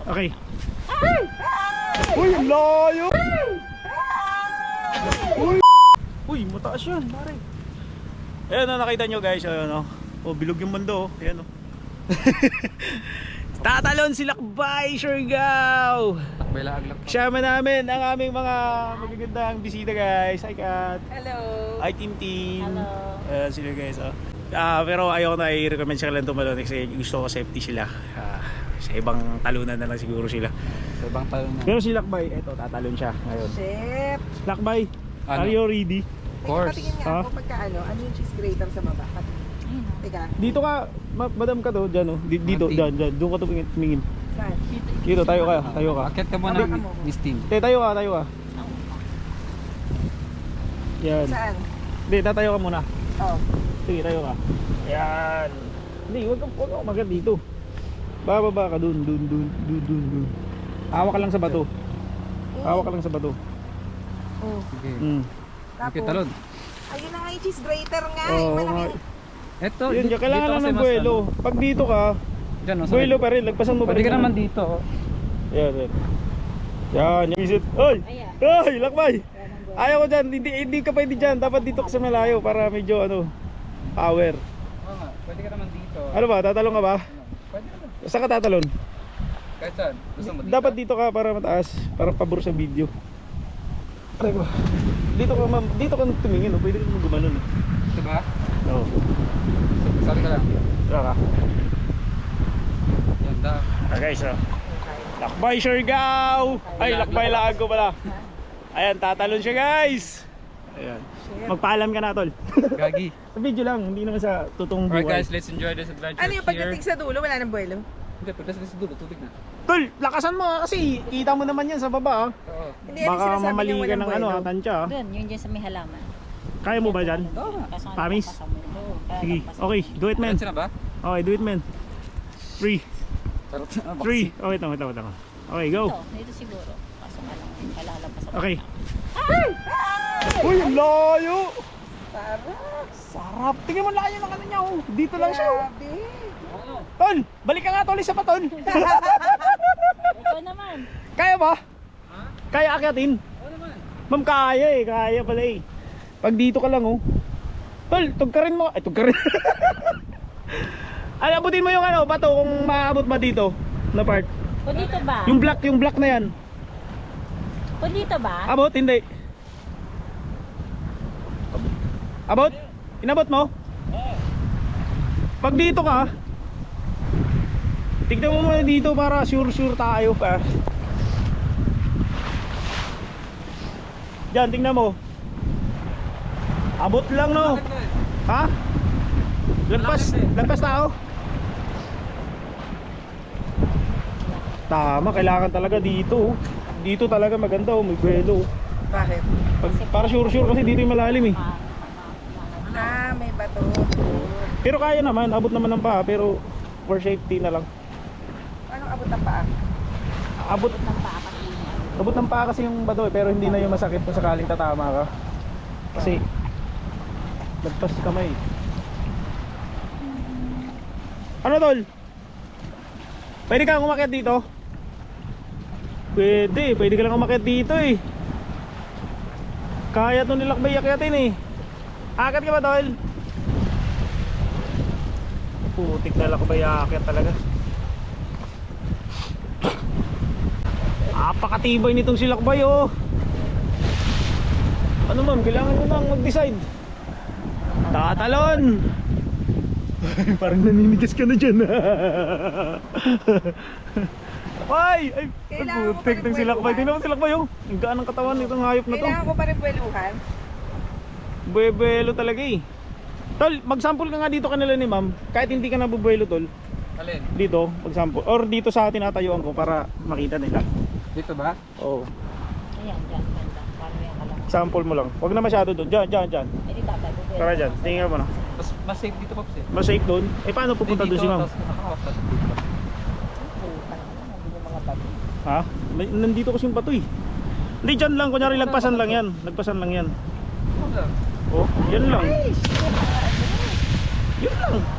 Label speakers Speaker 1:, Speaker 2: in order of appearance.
Speaker 1: Okay. Uy, layo! Uy, mataas yan, pare. Ayan na, nakita nyo guys, ayan o. Oh, bilog yung mundo, oh. Ayan o. Tatalon si Lakbay, Siargao!
Speaker 2: Lakbay laag.
Speaker 1: Kasama namin ang aming mga magagandang bisita guys. Hi Kat!
Speaker 3: Hello!
Speaker 1: Hi Team Team!
Speaker 3: Hello!
Speaker 1: Ayan sila guys, oh. Pero ayoko na i-recommend sa kanilang tumalon kasi gusto ko safety sila. Sa ibang talunan na lang siguro sila.
Speaker 2: Sa ibang talunan.
Speaker 1: Pero si Lakbay, eto, tatalon siya ngayon.
Speaker 3: Chef!
Speaker 1: Lakbay,
Speaker 2: Ano?
Speaker 1: are you ready?
Speaker 2: Of course.
Speaker 3: Patingin nga
Speaker 1: Ha?
Speaker 3: ako pagka ano yung cheese grater sa baba. Teka.
Speaker 1: Dito ka, madam ka to, dyan oh. Dito,
Speaker 2: Auntie.
Speaker 1: dyan. Doon ka to tumingin.
Speaker 3: Saan?
Speaker 1: Dito, tayo ka, tayo ka.
Speaker 2: Akit ka muna,
Speaker 3: Hawakan mo.
Speaker 2: Miss Tin.
Speaker 1: Tayo ka, tayo ka. Yan.
Speaker 3: Saan?
Speaker 1: Hindi, tatayo ka muna.
Speaker 3: Oh.
Speaker 1: Sige, tayo ka. Yan. Hindi, huwag ka umagat dito. Bababa ka dun. Hawak ka lang sa bato. Hawak ka lang sa bato.
Speaker 3: Oh.
Speaker 2: Sige.
Speaker 3: Tapos,
Speaker 2: Okay, talon.
Speaker 3: ayun na nga yung cheese grater nga.
Speaker 1: Oo,
Speaker 3: yung
Speaker 1: nga.
Speaker 3: malaki.
Speaker 2: Eto,
Speaker 1: Yun, kailangan lang
Speaker 2: kasi
Speaker 1: ng
Speaker 2: mas
Speaker 1: buwelo. Pag dito ka,
Speaker 2: Diyan, no, sa
Speaker 1: buwelo pa rin. Lagpasan mo pa
Speaker 2: Pwede
Speaker 1: rin.
Speaker 2: ka naman dito. Oh.
Speaker 1: Yan, yan. Yan, yung visit. Oy! Oy, Lakbay! Ayaw ko dyan. Hindi ka pwede dyan. Dapat dito ka sa malayo para medyo power.
Speaker 2: Oo nga, pwede ka naman dito.
Speaker 1: Ano ba? Tatalon ka ba?
Speaker 2: Pwede naman.
Speaker 1: Saan ka tatalon?
Speaker 2: Kahit saan. Gusto mo dito?
Speaker 1: Dapat dito ka para mataas. Para pabor sa video. Aray ko. Dito ka, ma'am. Dito ka tumingin. Oh. Pwede ka naman gumanon.
Speaker 2: Ito ba?
Speaker 1: Oo.
Speaker 2: Sabi ka lang.
Speaker 1: Tara ka.
Speaker 2: Yan, da.
Speaker 1: Guys, Lakbay Siargao! Ay, Lakbay Lago pala. Ayan, tatalon siya guys. Ayan. Magpaalam ka na, tol.
Speaker 2: Gagi.
Speaker 1: Sa video lang, hindi naman sa totoong
Speaker 2: Alright
Speaker 1: buhay.
Speaker 2: guys, let's enjoy this adventure
Speaker 3: Ano yung pagdating sa dulo? Wala nang buwelo?
Speaker 2: Hindi, pagdating sa dulo, tubig na.
Speaker 1: Tol, lakasan mo nga kasi kita mo naman yan sa baba.
Speaker 2: Oo.
Speaker 3: Hindi, ano
Speaker 1: Baka
Speaker 3: sinasabi
Speaker 1: mamali
Speaker 3: niyang
Speaker 1: ka
Speaker 3: walang
Speaker 1: ng
Speaker 3: buwelo?
Speaker 1: tansya.
Speaker 4: Doon, yun dyan sa may halaman.
Speaker 1: Kaya mo ba dyan?
Speaker 2: Oo.
Speaker 1: Promise? Sige, okay, do it man.
Speaker 2: Diretso na ba?
Speaker 1: Okay, do it man. 3,
Speaker 2: Charot.
Speaker 1: 3. Oh, wait lang. Okay, go.
Speaker 4: Dito siguro. Kaso nga lang, palalapas ako.
Speaker 1: Okay. Uy, layo!
Speaker 3: Sarap!
Speaker 1: Sarap. Tingnan mo layo ng ano niya, oh. Dito lang siya. Oh.
Speaker 3: Grabe!
Speaker 2: Ano?
Speaker 1: Tol, balik ka nga tol, isa pa tol.
Speaker 4: Ikaw naman.
Speaker 1: Kaya ba?
Speaker 2: Ha?
Speaker 1: Kaya akyatin?
Speaker 2: Oo naman.
Speaker 1: Ma'am, kaya pala eh. Pag dito ka lang, oh. Tol, tugkarin mo. Ay, tugkarin. Abutin mo yung bato kung maabot ba dito na part.
Speaker 4: O dito ba?
Speaker 1: Yung black na yan.
Speaker 4: O dito ba?
Speaker 1: Abot, hindi. Abot? Inabot mo? Pag dito ka, tignan mo muna dito para sure tayo pa. Diyan, tingnan mo. Abot lang, no? Ha? Lagpas tao? Tama, kailangan talaga dito. Dito talaga maganda, may buwelo.
Speaker 3: Bakit?
Speaker 1: Para sure kasi dito yung malalim eh.
Speaker 3: Ah, may bato.
Speaker 1: Pero kaya naman, abot naman ng paa, pero for safety na lang.
Speaker 3: Anong abot ng paa?
Speaker 1: Abot ng paa kasi yung bato eh, pero hindi na yung masakit kung sakaling tatama ka. Kasi lagpas kamay. Ano tol? Pwede kang umakyat dito? Pwede ka lang umakyat dito eh. Kaya to nilakbay akyatin eh. Akyat ka ba tol? Putik na lakbay akyat talaga. Apakatibay nitong silakbay oh. Ano ma'am, kailangan mo nang mag-decide. Tatalon. Parang naninigas ka na dyan. Ay,
Speaker 3: Kailangan ko
Speaker 1: putik
Speaker 3: pa rin
Speaker 1: ng silakbay.
Speaker 3: buweluhan.
Speaker 1: Tingnan mo silakbay oh. Ang gaan ng katawan nitong hayop na to.
Speaker 3: Kailangan ko pa rin buweluhan.
Speaker 1: Buwelo talaga eh. Tol, mag-sample ka nga dito kanila ni ma'am. Kahit hindi ka nabubuelo tol.
Speaker 2: Alin?
Speaker 1: Dito, mag-sample. Or dito sa tinatayuan ko para makita nila.
Speaker 2: Dito ba?
Speaker 1: Oo.
Speaker 4: Ayan, dyan, ganda. Parang yan ka lang.
Speaker 1: Sample mo lang. Huwag na masyado doon. Diyan.
Speaker 4: Eh, di tatay, bubwelo.
Speaker 1: Tara dyan. Tingnan mo na.
Speaker 2: Mas safe dito, Pops eh.
Speaker 1: Mas safe doon. Eh paano pupunta doon si ma'am?
Speaker 2: Tapos nakakawas ka dito.
Speaker 1: Ha? Nandito kasi yung bato eh. Hindi dyan lang. Kunyari lagpasan lang yan. Lagpasan lang yan.
Speaker 2: Ano lang?
Speaker 1: Oh, yan lang. Yun lang.